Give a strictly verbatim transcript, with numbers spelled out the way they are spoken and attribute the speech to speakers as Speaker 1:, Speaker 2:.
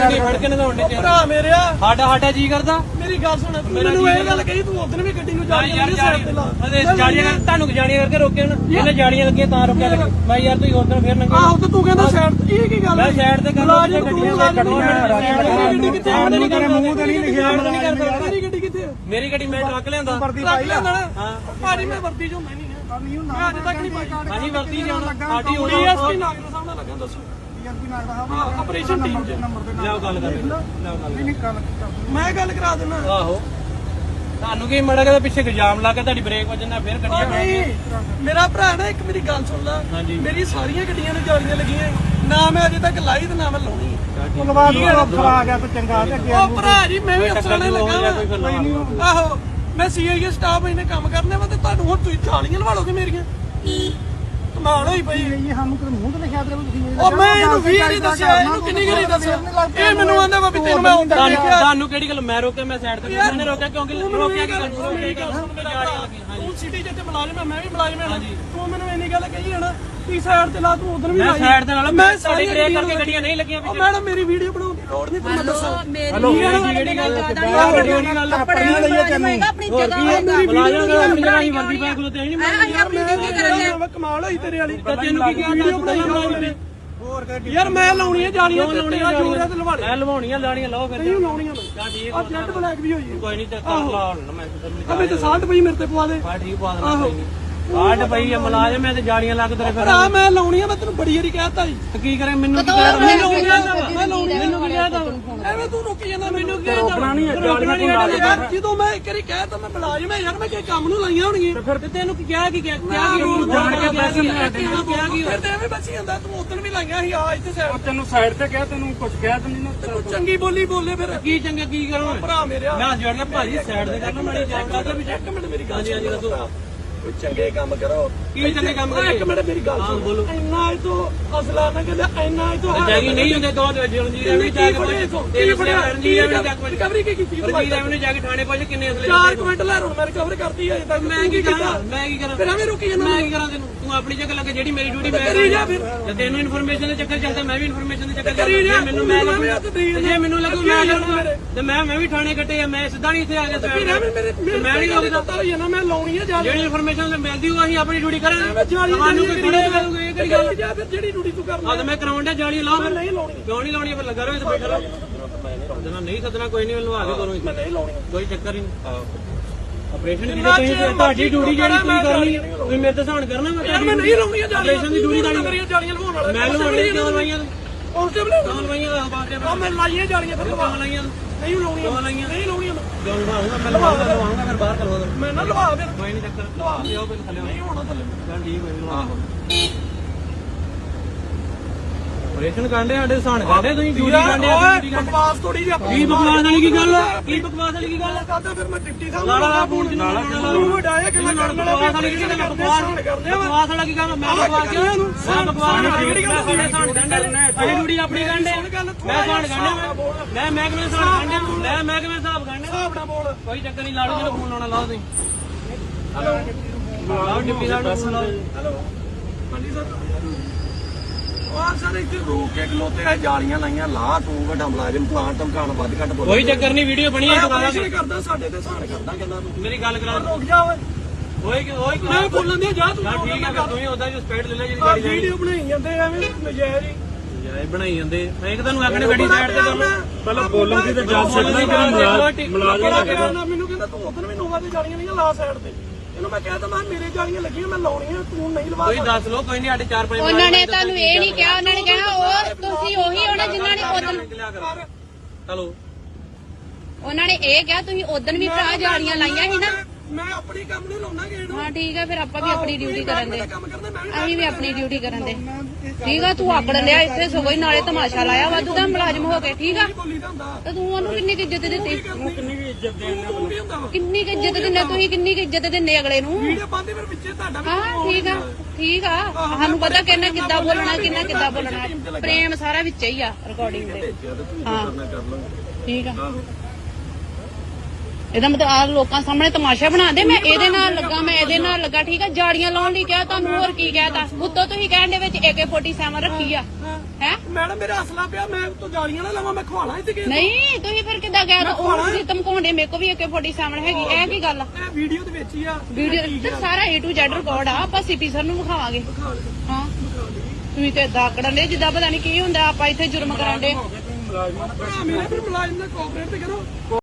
Speaker 1: ਗੱਡੀ ਫੜ ਕੇ ਨਗਾਉਣ ਦੇ
Speaker 2: ਭਰਾ ਮੇਰਿਆ
Speaker 1: ਸਾਡਾ ਸਾਡਾ ਜੀ ਕਰਦਾ
Speaker 2: ਮੇਰੀ ਗੱਲ ਸੁਣ ਮੈਨੂੰ ਇਹ ਗੱਲ ਕਹੀ ਤੂੰ ਉਦੋਂ ਵੀ ਗੱਡੀ ਨੂੰ ਜਾ
Speaker 1: ਯਾਰ ਜਾੜੀਆਂ ਤੁਹਾਨੂੰ ਜਾੜੀਆਂ ਕਰਕੇ ਰੋਕਿਆ ਨਾ ਇਹਨੇ ਜਾੜੀਆਂ ਲੱਗੀਆਂ ਤਾਂ ਰੋਕਿਆ ਲੱਗੇ ਮੈਂ ਯਾਰ ਤੁਸੀਂ ਉਦੋਂ ਫੇਰ ਨੰਗੇ
Speaker 2: ਆਹੋ ਤੇ ਤੂੰ ਕਹਿੰਦਾ ਸਾਈਡ ਇਹ ਕੀ ਗੱਲ
Speaker 1: ਮੈਂ ਸਾਈਡ ਤੇ ਕਰ
Speaker 2: ਗੱਡੀਆਂ ਕੱਢੋ ਗੱਡੀ ਕਿੱਥੇ
Speaker 1: ਨਹੀਂ ਕਰ ਮੂੰਹ ਤੇ ਨਹੀਂ ਲਿਖਿਆ
Speaker 2: ਮੇਰੀ ਗੱਡੀ ਕਿੱਥੇ
Speaker 1: ਮੇਰੀ ਗੱਡੀ ਮੈਂ ਟਰੱਕ ਲਿਆਂਦਾ
Speaker 2: ਟਰੱਕ ਲਿਆਂਦਾ ਹਾਂ ਭਾਜੀ ਮੈਂ ਵਰਦੀ ਚ ਹੁੰਦਾ ਨਹੀਂ ਮੈਂ ਅੱਜ ਤੱਕ ਨਹੀਂ ਪਾਈ
Speaker 1: ਹਾਂਜੀ ਵਰਤੀ ਜਾਣਾ ਸਾਡੀ ਉਹ
Speaker 2: ਡੀਐਸਪੀ ਨਾਗਰ ਸਾਹਿਬ ਨਾਲ ਲੱਗਾ ਦੱਸੋ ਹਾਂ ਆਪਰੇਸ਼ਨ ਟੀਮ ਚ
Speaker 1: ਲਿਆਓ ਗੱਲ ਕਰ ਲਿਆਓ ਗੱਲ
Speaker 2: ਮੈਂ ਗੱਲ ਕਰਾ ਦਿੰਦਾ
Speaker 1: ਆਹੋ ਤੁਹਾਨੂੰ ਕੀ ਮੜਾ ਕੇ ਪਿੱਛੇ ਇਲਜ਼ਾਮ ਲਾ ਕੇ ਤੁਹਾਡੀ ਬ੍ਰੇਕ ਵੱਜਣਾ ਫੇਰ ਗੱਡੀਆਂ
Speaker 2: ਨਹੀਂ ਮੇਰਾ ਭਰਾ ਨਾ ਇੱਕ ਮੇਰੀ ਗੱਲ ਸੁਣ ਲੈ ਮੇਰੀ ਸਾਰੀਆਂ ਗੱਡੀਆਂ ਨੂੰ ਜਾਲੀਆਂ ਲੱਗੀਆਂ ਨਾ ਮੈਂ ਅਜੇ ਤੱਕ ਲਾਈ ਤੇ ਨਾ ਮੈਂ ਲਾਉਣੀ
Speaker 3: ਧੰਨਵਾਦ ਅਫਸਰ ਆ ਗਿਆ ਤੇ ਚੰਗਾ ਤੇ ਅੱਗੇ
Speaker 2: ਉਹ ਭਰਾ ਜੀ ਮੈਂ ਵੀ ਅਫਸਰਾਂ ਨੇ ਲੱਗਾ ਆਹੋ ਮੈਂ ਸੀਆਈਏ ਸਟਾਫ ਇਹਨੇ ਕੰਮ ਕਰਨੇ ਵਾ ਤੇ ਤੁਹਾਨੂੰ ਹੁਣ ਤੁਸੀਂ ਜਾਲੀਆਂ ਲਵਾ ਲੋਗੇ ਮੇਰੀਆਂ ਕਮਾਲ ਹੋਈ ਪਈ
Speaker 3: ਇਹ ਸਾਨੂੰ ਕਿ ਮੂੰਹ ਤੇ ਲਿਖਿਆ ਤੇ ਤੁਸੀਂ
Speaker 2: ਉਹ ਮੈਂ ਇਹਨੂੰ ਵੀ ਨਹੀਂ ਦੱਸਿਆ ਇਹਨੂੰ ਕਿੰਨੀ ਗਰੀ ਦੱਸਿਆ ਇਹ ਮੈਨੂੰ ਆਂਦਾ ਵਾ ਵੀ ਤੈਨੂੰ ਮੈਂ ਹੁੰਦਾ ਦੇਖਿਆ
Speaker 1: ਤੁਹਾਨੂੰ ਕਿਹੜੀ ਗੱਲ ਮੈਂ ਰੋਕਿਆ ਮੈਂ ਸਾਈਡ ਤੇ ਮੈਨੇ ਰੋਕਿਆ ਕਿਉਂਕਿ ਰੋਕਿਆ ਕੀ ਗੱਲ
Speaker 2: ਤੂੰ ਸਿਟੀ ਜਿੱਤੇ ਮੁਲਾਜ਼ਮ ਹੈ ਮੈਂ ਵੀ ਮੁਲਾਜ਼ਮ ਹਾਂ ਤੂੰ ਮੈਨੂੰ ਇੰਨੀ ਗੱਲ ਕਹੀ ਹੈ ਨਾ ਤੀ ਸਾਈਡ ਤੇ ਲਾ ਤੂੰ ਉਧਰ ਵੀ
Speaker 1: ਮੈਂ ਸਾਈਡ ਤੇ ਨਾਲ ਮੈਂ ਸਾਡੀ ਬ੍ਰੇਕ ਕਰਕੇ ਗੱਡੀਆਂ ਨਹੀਂ ਲੱਗੀਆਂ
Speaker 2: ਉਹ ਮੈਡਮ ਮੇਰੀ ਵੀਡੀਓ ਬਣਾਉਣ ਦੀ ਲੋੜ ਨਹੀਂ ਤੁਹਾਨੂੰ ਦੱਸਾਂ
Speaker 1: ਮੇਰੀ ਜਿਹੜੀ ਗੱਲ
Speaker 3: ਆਪਣੀ ਗੱਲ ਲਈਏ ਤੈਨੂੰ
Speaker 4: ਆਪਣੀ ਜਗ੍ਹਾ
Speaker 2: ਮੇਰੀ
Speaker 1: ਮੁਲਾਜ਼ਮ ਆਪਣੀ ਜਗ੍ਹਾ ਹੀ ਵਰਦੀ ਪਾ ਕੇ ਤੇ ਨਹੀਂ
Speaker 4: ਅਸੀਂ ਆਪਣੀ ਡਿਊਟੀ ਕਰਾਂਗੇ
Speaker 2: ਮੈਂ ਕਮਾਲ ਹੋਈ ਤੇਰੇ ਵਾਲੀ
Speaker 1: ਤੈਨੂੰ ਕੀ
Speaker 2: ਵੀਡੀਓ ਬਣਾਈ
Speaker 3: ਹੋਰ
Speaker 2: ਯਾਰ ਮੈਂ ਲਾਉਣੀ ਹੈ ਜਾਲੀਆਂ ਤੇ ਤੇਰਾ ਜੋਰ ਹੈ ਤੇ ਲਵਾ ਲੈ
Speaker 1: ਮੈਂ ਲਵਾਉਣੀਆਂ ਲਾਣੀਆਂ ਲਾਓ ਫਿਰ
Speaker 2: ਨਹੀਂ ਲਾਉਣੀਆਂ ਮੈਂ
Speaker 1: ਤਾਂ ਠੀਕ
Speaker 2: ਆ ਜੈਟ ਬਲੈਕ ਵੀ ਹੋਈ ਹੈ
Speaker 1: ਕੋਈ ਨਹੀਂ ਤੇ ਕਰ ਲਾ ਹੁਣ ਮੈਂ
Speaker 2: ਅਬੇ ਤੇ ਸਾਲਟ ਪਈ ਮੇਰੇ ਤੇ ਪਵਾ ਦੇ
Speaker 1: ਬਾ ਠੀਕ ਪਾ ਦੇਣਾ ਕੋਈ ਨਹੀਂ ਕਾਟ ਪਈ ਆ ਮੁਲਾਜ਼ਮ ਮੈਂ ਤੇ ਜਾੜੀਆਂ ਲੱਗ ਤੇਰੇ ਫਿਰ
Speaker 2: ਭਰਾ ਮੈਂ ਲਾਉਣੀ ਆ ਮੈਂ ਤੈਨੂੰ ਬੜੀ ਵਾਰੀ ਕਹਿਤਾ ਜੀ
Speaker 1: ਕੀ ਕਰੇ ਮੈਨੂੰ ਕੀ ਕਹਿ
Speaker 2: ਮੈਂ ਲਾਉਣੀ ਆ ਮੈਂ ਲਾਉਣੀ
Speaker 1: ਮੈਨੂੰ ਕੀ ਕਹਿਦਾ
Speaker 2: ਐਵੇਂ ਤੂੰ ਰੁਕੀ ਜਾਂਦਾ ਮੈਨੂੰ ਕੀ
Speaker 1: ਰੋਕਣਾ ਨਹੀਂ ਹੈ ਜਾੜੀਆਂ ਤੋਂ ਲਾ
Speaker 2: ਯਾਰ ਜਦੋਂ ਮੈਂ ਇੱਕ ਵਾਰੀ ਕਹਿਤਾ ਮੈਂ ਮੁਲਾਜ਼ਮ ਹੈ ਯਾਰ ਮੈਂ ਕਿ ਕੰਮ ਨੂੰ ਲਾਈਆਂ ਹੋਣਗੀਆਂ
Speaker 1: ਫਿਰ ਤੇ ਤੈਨੂੰ ਕੀ ਕਿਹਾ ਕੀ ਕਿਹਾ ਕੀ ਉਹਨੂੰ ਜਾਣ ਕੇ ਪੈਸੇ ਮੈਂ ਤੈਨੂੰ ਕਿਹਾ ਕੀ
Speaker 2: ਫਿਰ ਤੇ ਐਵੇਂ ਬਚੀ ਜਾਂਦਾ ਤੂੰ ਉਦੋਂ ਵੀ ਲਾਈਆਂ ਸੀ ਆ ਇੱਥੇ ਸਾਈਡ
Speaker 3: ਤੈਨੂੰ ਸਾਈਡ ਤੇ ਕਿਹਾ ਤੈਨੂੰ ਕੁਝ ਕਿਹਾ ਤੈਨੂੰ ਨਾ
Speaker 2: ਤੂੰ ਚੰਗੀ ਬੋਲੀ ਬੋਲੇ ਫਿਰ
Speaker 1: ਕੀ ਚੰਗਾ ਕੀ ਕਰਾਂ
Speaker 2: ਭਰਾ ਮੇਰਿਆ
Speaker 1: ਮੈਂ ਜੜਨਾ ਭਾਜੀ ਸਾਈਡ ਤੇ ਕਰਨਾ ਮਾੜੀ ਜਾਣ ਕਰਦਾ ਵੀ
Speaker 2: ਇੱਕ ਮਿੰਟ ਮੇਰੀ ਗੱਲ ਹਾਂਜੀ ਦੱਸੋ ਕੋਈ ਚੰਗੇ ਕੰਮ ਕਰੋ
Speaker 1: ਕੀ ਚੰਗੇ ਕੰਮ ਕਰੇ
Speaker 2: ਇੱਕ ਮਿੰਟ ਮੇਰੀ ਗੱਲ ਸੁਣ
Speaker 1: ਬੋਲੋ
Speaker 2: ਇੰਨਾ ਇਹ ਤੋਂ ਅਸਲਾ ਨਾ ਕਹਿੰਦਾ ਇੰਨਾ ਇਹ ਤੋਂ
Speaker 1: ਜਾਗੀ ਨਹੀਂ ਹੁੰਦੇ ਦੋ ਜਲੰਜੀਰ ਐਵੇਂ ਜਾ ਕੇ ਤੇਰੇ ਫੜਿਆ ਰਣਜੀਤ ਐਵੇਂ ਜਾ ਕੇ
Speaker 2: ਰਿਕਵਰੀ ਕੀ ਕੀਤੀ
Speaker 1: ਰਣਜੀਤ ਐਵੇਂ ਜਾ ਕੇ ਥਾਣੇ ਪਹੁੰਚ ਕਿੰਨੇ ਅਸਲੇ
Speaker 2: ਚਾਰ ਕੁਇੰਟ ਲੈ ਰੋ ਮੈਂ ਰਿਕਵਰ ਕਰਤੀ ਹੈ ਤੱਕ
Speaker 1: ਮੈਂ ਕੀ ਕਰਾਂ ਮੈਂ ਕੀ ਕਰਾਂ
Speaker 2: ਫਿਰ ਐਵੇਂ ਰੁਕੀ ਜਾਂਦਾ
Speaker 1: ਮੈਂ ਕੀ ਕਰਾਂ ਤੈਨੂੰ ਤੂੰ ਆਪਣੀ ਜਗ੍ਹਾ ਲੱਗੇ ਜਿਹੜੀ ਮੇਰੀ ਡਿਊਟੀ ਮੈਂ
Speaker 2: ਕਰੀ ਜਾ ਫਿਰ
Speaker 1: ਜੇ ਤੈਨੂੰ ਇਨਫੋਰਮੇਸ਼ਨ ਦੇ ਚੱਕਰ ਚੱਲਦਾ ਮੈਂ ਵੀ ਇਨਫੋਰਮੇਸ਼ਨ ਦੇ ਚੱਕਰ
Speaker 2: ਕਰੀ ਜਾ
Speaker 1: ਮੈਨੂੰ ਮੈਂ ਜੇ ਮੈਨੂੰ ਲੱਗੂ ਮੈਂ ਲੱਗੂ ਤੇ ਮੈਂ ਮੈਂ ਵੀ ਥਾਣੇ ਕੱਟੇ ਆ ਮੈਂ ਸਿੱਧਾ ਨਹੀਂ ਇੱਥੇ ਆ ਗਿਆ
Speaker 2: ਫਿਰ ਐਵੇਂ ਮੇਰੇ
Speaker 1: ਮੈਂ ਨਹੀਂ ਰੋਕਦਾ
Speaker 2: ਪਤਾ ਹੋਈ ਨਾ ਮੈਂ ਲਾਉਣੀ ਹੈ ਜਾ
Speaker 1: ਜਿਹੜੀ ਇਨਫੋਰਮੇਸ਼ਨ ਮਿਲਦੀ ਉਹ ਅਸੀਂ ਆਪਣੀ ਡਿਊਟੀ ਕਰਾਂਗੇ
Speaker 2: ਜਾਲੀ
Speaker 1: ਤੁਹਾਨੂੰ ਕੋਈ ਥੋੜੇ ਕਰੂਗੇ ਇਹ ਕਿਹੜੀ ਗੱਲ
Speaker 2: ਜਾ ਫਿਰ ਜਿਹੜੀ ਡਿਊਟੀ ਤੂੰ ਕਰਨਾ
Speaker 1: ਆ ਤੇ ਮੈਂ ਕਰਾਉਣ ਡਿਆ ਜਾਲੀ ਲਾਓ ਫਿਰ
Speaker 2: ਨਹੀਂ ਲਾਉਣੀ
Speaker 1: ਕਿਉਂ ਨਹੀਂ ਲਾਉਣੀ ਫਿਰ ਲੱਗਾ ਰਹੋ ਇੱਥੇ ਬੈਠਾ ਰਹੋ ਜਦੋਂ ਨਹੀਂ ਸੱਦਣਾ ਕੋਈ ਨਹੀਂ ਮੈਨੂੰ ਆ ਕੇ ਕਰੋ
Speaker 2: ਮੈਂ ਨਹੀਂ ਲਾਉਣੀ
Speaker 1: ਕੋਈ ਚੱਕਰ ਹੀ ਨਹੀਂ ਆਪਰੇਸ਼ਨ ਦੀ ਤੁਸੀਂ ਤੁਹਾਡੀ ਡਿਊਟੀ ਜਿਹੜੀ ਤੁਸੀਂ ਕਰਨੀ ਤੁਸੀਂ ਮੇਰੇ ਤੇ ਸਹਾਨ ਕਰਨਾ ਮੈਂ
Speaker 2: ਮੈਂ ਨਹੀਂ ਲਾਉਣੀ ਜਾਲੀਆਂ
Speaker 1: ਆਪਰੇਸ਼ਨ ਦੀ ਡਿਊਟੀ ਤੁਹਾਡੀ
Speaker 2: ਮੇਰੀਆਂ ਜਾਲੀਆਂ ਲਵਾਉਣ ਵਾਲਾ
Speaker 1: ਮੈਂ ਲਵਾਉਣੀ ਕਿਉਂ ਲਵਾਈਆਂ
Speaker 2: ਉਸ ਟਾਈਮ ਲੈ
Speaker 1: ਕਿਉਂ ਲਵਾਈਆਂ ਬਾਤੇ
Speaker 2: ਆ ਮੈਂ ਲਾਈਆਂ ਜਾਲੀਆਂ ਫਿਰ ਲਵਾ
Speaker 1: ਕਿਉਂ ਲਾਈਆਂ
Speaker 2: ਨਹੀਂ ਲਾਉਣੀਆਂ ਨਹੀਂ ਲਾਉਣੀਆਂ
Speaker 1: ਕਿਉਂ ਲਵਾਉਂਗਾ ਮੈਂ ਲਵਾਉਂਗਾ ਲਵਾਉਂਗਾ ਫਿਰ ਬਾਹਰ ਕਰਵਾ ਦੋ
Speaker 2: ਮੈਂ ਨਾ ਲਵਾ ਫਿਰ
Speaker 1: ਕੋਈ ਨਹੀਂ ਚੱਕਰ ਲਵਾ ਲਿਓ ਫਿਰ ਥੱਲੇ
Speaker 2: ਨਹੀਂ ਹੋਣਾ ਥੱਲੇ
Speaker 1: ਚੱਲ ਠੀਕ ਹੋਈ ਲਵਾ ਆਪਰੇਸ਼ਨ ਕਾਂਡੇ ਸਾਡੇ ਸਹਾਨ ਕਾਂਡੇ ਤੁਸੀਂ ਡਿਊਟੀ ਕਾਂਡੇ
Speaker 2: ਓਏ ਬਕਵਾਸ ਥੋੜੀ ਜਿਹੀ ਆਪਣੀ
Speaker 1: ਕੀ ਬਕਵਾਸ ਵਾਲੀ ਕੀ ਗੱਲ ਕੀ ਬਕਵਾਸ ਵਾਲੀ ਕੀ ਗੱਲ
Speaker 2: ਕਰਦਾ ਫਿਰ ਮੈਂ ਡਿਪਟੀ ਸਾਹਿਬ
Speaker 1: ਲਾਲਾ ਦਾ ਫੋਨ ਚ ਨਾਲਾ
Speaker 2: ਤੂੰ ਵਡਾਇਆ ਕਿ ਮੈਂ ਕਰਨ ਵਾਲਾ
Speaker 1: ਬਕਵਾਸ ਵਾਲੀ ਕੀ ਗੱਲ ਬਕਵਾਸ ਬਕਵਾਸ ਵਾਲਾ ਕੀ ਗੱਲ ਮੈਂ ਬਕਵਾਸ ਕਿਉਂ ਮੈਂ ਬਕਵਾਸ ਕਿਹੜੀ ਗੱਲ ਸਾਡੇ ਸਹਾਨ ਕਾਂਡੇ ਅਸੀਂ ਡਿਊਟੀ ਆਪਣੀ ਕਾਂਡੇ ਮੈਂ ਸਹਾਨ ਕਾਂਡੇ ਮੈਂ ਮੈਂ ਕਿਵੇਂ ਸਹਾਨ ਕਾਂਡੇ ਮੈਂ ਮੈਂ ਕਿਵੇਂ ਹਿਸਾਬ ਕਾਂਡੇ
Speaker 2: ਹਿਸਾਬ ਨਾਲ ਬੋਲ
Speaker 1: ਕੋਈ ਚੱਕਰ ਨਹੀਂ ਲਾੜੂ ਜਦੋਂ ਫੋਨ ਲਾਉਣਾ ਲਾਓ ਤੁਸੀਂ ਹੈਲੋ ਲਾਓ ਡਿਪਟੀ ਸਾਹਿਬ ਨੂੰ ਫੋਨ ਲਾਓ
Speaker 2: ਹੈਲੋ ਹਾਂਜੀ ਸਰ ਆਹ ਸਰ ਇੱਥੇ ਰੋਕ ਕੇ ਖਲੋਤੇ ਆ ਜਾਲੀਆਂ ਲਾਈਆਂ ਲਾ ਤੂੰ ਵੱਡਾ ਮੁਲਾਜ਼ਮ ਪਲਾਂਟ ਧਮਕਾਣ ਵੱਧ ਘੱਟ ਬੋਲ
Speaker 1: ਕੋਈ ਚੱਕਰ ਨਹੀਂ ਵੀਡੀਓ ਬਣੀ ਹੈ ਦੁਕਾਨਾਂ
Speaker 2: ਤੇ ਕਰਦਾ ਸਾਡੇ ਤੇ ਸਾਨ ਕਰਦਾ ਕਹਿੰਦਾ ਤੂੰ
Speaker 1: ਮੇਰੀ ਗੱਲ ਕਰਾ
Speaker 2: ਰੁਕ ਜਾ ਓਏ
Speaker 1: ਓਏ ਕਿ ਓਏ ਕਿ
Speaker 2: ਮੈਂ ਬੋਲਣ ਦੇ ਜਾ ਤੂੰ
Speaker 1: ਠੀਕ ਹੈ ਫਿਰ ਤੂੰ ਹੀ ਉਹਦਾ ਜੋ ਸਪੀਡ ਲੈ ਲੈ ਜਿਹੜੀ
Speaker 2: ਆਹ
Speaker 1: ਗਾੜੀ ਜਾਣੀ
Speaker 2: ਵੀਡੀਓ ਬਣਾਈ ਜਾਂਦੇ ਐਵੇਂ ਨਜਾਇਜ਼ ਹੀ
Speaker 1: ਯਾਰ ਬਣਾਈ ਜਾਂਦੇ ਮੈਂ ਇੱਕ ਤੁਹਾਨੂੰ ਆਖਣੇ ਗੱਡੀ ਸਾਈਡ ਤੇ ਕਰ
Speaker 3: ਪਹਿਲਾਂ ਬੋਲਣ ਦੀ ਤੇ ਜੱਜ ਸਕਦਾ ਕਿ
Speaker 2: ਮੁਲਾਜ਼ਮ ਮੈਨੂੰ ਕਹਿੰਦਾ ਤੂੰ ਉਧਰ ਵੀ ਨੋਵਾ ਦੀ ਜਾਲੀਆਂ ਨਹੀਂ ਲਾ ਸਾਈਡ ਤੇ ਇਹਨੂੰ ਮੈਂ ਕਹਿ ਤਾ ਮੈਂ ਮੇਰੇ ਜਾਲੀਆਂ ਲੱਗੀਆਂ ਮੈਂ ਲਾਉਣੀਆਂ ਤੂੰ ਨਹੀਂ ਲਵਾ
Speaker 1: ਕੋਈ ਦੱਸ ਲੋ ਕੋਈ ਨਹੀਂ ਸਾਡੇ ਚਾਰ ਪੰਜ
Speaker 4: ਉਹਨਾਂ ਨੇ ਤੁਹਾਨੂੰ ਇਹ ਨਹੀਂ ਕਿਹਾ ਉਹਨਾਂ ਨੇ ਕਿਹਾ ਉਹ ਤੁਸੀਂ ਉਹੀ ਹੋਣਾ ਜਿਨ੍ਹਾਂ ਨੇ ਉਦੋਂ
Speaker 1: ਚਲੋ
Speaker 4: ਉਹਨਾਂ ਨੇ ਇਹ ਕਿਹਾ ਤੁਸੀਂ ਉਦੋਂ ਵੀ ਭਰਾ ਜਾਲੀਆਂ ਲਾਈਆਂ ਸੀ ਨਾ
Speaker 2: ਮੈਂ ਆਪਣੀ ਕੰਮ ਨੂੰ ਲਾਉਣਾ ਗੇੜ
Speaker 4: ਹਾਂ ਠੀਕ ਹੈ ਫਿਰ ਆਪਾਂ ਵੀ ਆਪਣੀ ਡਿਊਟੀ ਕਰਨ ਦੇ
Speaker 2: ਕੰਮ ਕਰਦਾ ਮੈਂ
Speaker 4: ਅਸੀਂ ਵੀ ਆਪਣੀ ਡਿਊਟੀ ਕਰਨ ਦੇ ਠੀਕ ਆ ਤੂੰ ਆਕੜ ਲਿਆ ਇੱਥੇ ਸਗੋਂ ਹੀ ਨਾਲੇ ਤਮਾਸ਼ਾ ਲਾਇਆ ਵਾਧੂ ਦਾ ਮੁਲਾਜ਼ਮ ਹੋ ਕੇ ਠੀਕ ਆ
Speaker 2: ਬੋਲੀ ਦਾ ਹੁੰਦਾ
Speaker 4: ਤੇ ਤੂੰ ਉਹਨੂੰ ਕਿੰਨੀ ਕੁ ਇੱਜ਼ਤ ਦਿੱਤੀ
Speaker 3: ਕਿੰਨੀ ਵੀ ਇੱਜ਼ਤ ਦੇਣ
Speaker 2: ਤੂੰ ਵੀ ਹੁੰਦਾ ਵਾ
Speaker 4: ਕਿੰਨੀ ਕੁ ਇੱਜ਼ਤ ਦਿੰਦੇ ਤੁਸੀਂ ਕਿੰਨੀ ਕੁ ਇੱਜ਼ਤ ਦਿੰਦੇ ਅਗਲੇ ਨੂੰ
Speaker 2: ਵੀਡੀਓ ਪਾਉਂਦੇ ਫਿਰ ਵਿੱਚੇ ਤੁਹਾਡਾ ਵੀ
Speaker 4: ਹਾਂ ਠੀਕ ਆ ਠੀਕ ਆ ਸਾਨੂੰ ਪਤਾ ਕਿੰਨਾ ਕਿੱਦਾਂ ਬੋਲਣਾ ਕਿੰਨਾ ਕਿੱਦਾਂ ਬੋਲਣਾ ਪ੍ਰੇਮ ਸਾਰਾ ਵਿੱਚ ਹੀ ਆ ਰਿਕਾਰਡਿੰਗ ਦੇ ਹਾਂ ਠੀਕ ਆ ਇਹਦਾ ਮਤਲਬ ਆ ਲੋਕਾਂ ਸਾਹਮਣੇ ਤਮਾਸ਼ਾ ਬਣਾਉਂਦੇ ਮੈਂ ਇਹਦੇ ਨਾਲ ਲੱਗਾ ਮੈਂ ਇਹਦੇ ਨਾਲ ਲੱਗਾ ਠੀਕ ਆ ਜਾੜੀਆਂ ਲਾਉਣ ਲਈ ਕਿਹਾ ਤੁਹਾਨੂੰ ਹੋਰ ਕੀ ਕਹਿਤਾ ਉੱਤੋਂ ਤੁਸੀਂ ਕਹਿਣ ਦੇ ਵਿੱਚ ਏ ਕੇ ਫੋਰਟੀ ਸੈਵਨ ਰੱਖੀ ਆ ਹੈ
Speaker 2: ਮੈਡਮ ਮੇਰਾ ਅਸਲਾ ਪਿਆ ਮੈਂ ਤੂੰ ਜਾਲੀਆਂ ਨਾ ਲਾਵਾਂ ਮੈਂ ਖਵਾਣਾ ਇੱਥੇ ਕਿ
Speaker 4: ਨਹੀਂ ਤੁਸੀਂ ਫਿਰ ਕਿੱਦਾਂ ਕਹਿ ਦੋ ਉਹ ਤੁਸੀਂ ਧਮਕਾਉਂਦੇ ਮੇਰੇ ਕੋ ਵੀ ਏ ਕੇ ਫੋਰਟੀ ਸੈਵਨ ਹੈਗੀ ਇਹ ਕੀ ਗੱਲ ਆ
Speaker 2: ਇਹ ਵੀਡੀਓ ਦੇ ਵਿੱਚ ਹੀ ਆ
Speaker 4: ਵੀਡੀਓ ਤੇ ਸਾਰਾ ਏ ਟੂ ਜ਼ੈਡ ਰਿਕਾਰਡ ਆ ਆਪਾਂ ਸੀਪੀ ਸਰ ਨੂੰ ਵਿਖਾਵਾਂਗੇ ਹਾਂ ਤੁਸੀਂ ਤੇ ਏਦਾਂ ਆਕੜਨ ਦੇ ਜਿੱਦਾਂ ਪਤਾ ਨਹੀਂ ਕੀ ਹੁੰਦਾ ਆਪਾਂ ਇੱਥੇ ਜੁਰਮ ਕਰਨ ਦੇ
Speaker 2: ਭਰਾ ਮੇਰੇ ਫਿਰ ਮੁਲਾਜ਼ਮ ਨਾਲ ਕੋਆਪਰੇਟ ਤੇ ਕਰੋ